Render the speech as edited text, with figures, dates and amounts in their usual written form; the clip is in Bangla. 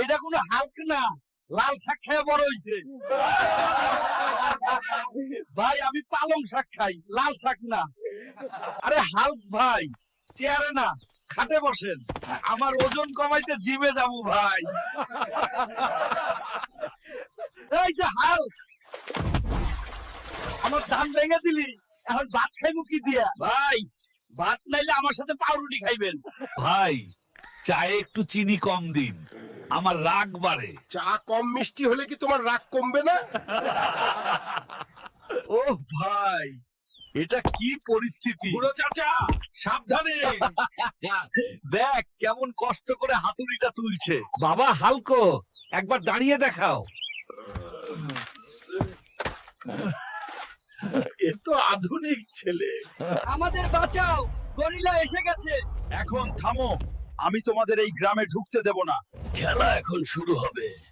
এটা কোনো হালক না, লাল শাক খেয়ে বড় হইছে। ভাই আমি পালং শাক খাই, লাল শাক না। আরে হালক ভাই, চেয়ারে না খাটে বসেন, আমার ওজন কমাইতে জিমে যাবো ভাই। এই যে হালক, আমার ধান ভেঙে দিলি, এখন ভাত খাইবো কি দিয়া? ভাই ভাত নাইলে আমার সাথে পাউরুটি খাইবেন। ভাই চায়ে একটু চিনি কম দিন, আমার রাগ বাড়ে। চা কম মিষ্টি হলে কি তোমার রাগ কমবে না? ও ভাই, এটা কি পরিস্থিতি? বুড়ো চাচা সাবধানে। দেখ কেমন কষ্ট করে হাতুড়িটা তুলছে। বাবা হালকো, একবার দাঁড়িয়ে দেখাও। এ তো আধুনিক ছেলে। আমাদের বাঁচাও, গরিলা এসে গেছে। এখন থামো, আমি তোমাদের এই গ্রামে ঢুকতে দেব না। খেলা এখন শুরু হবে।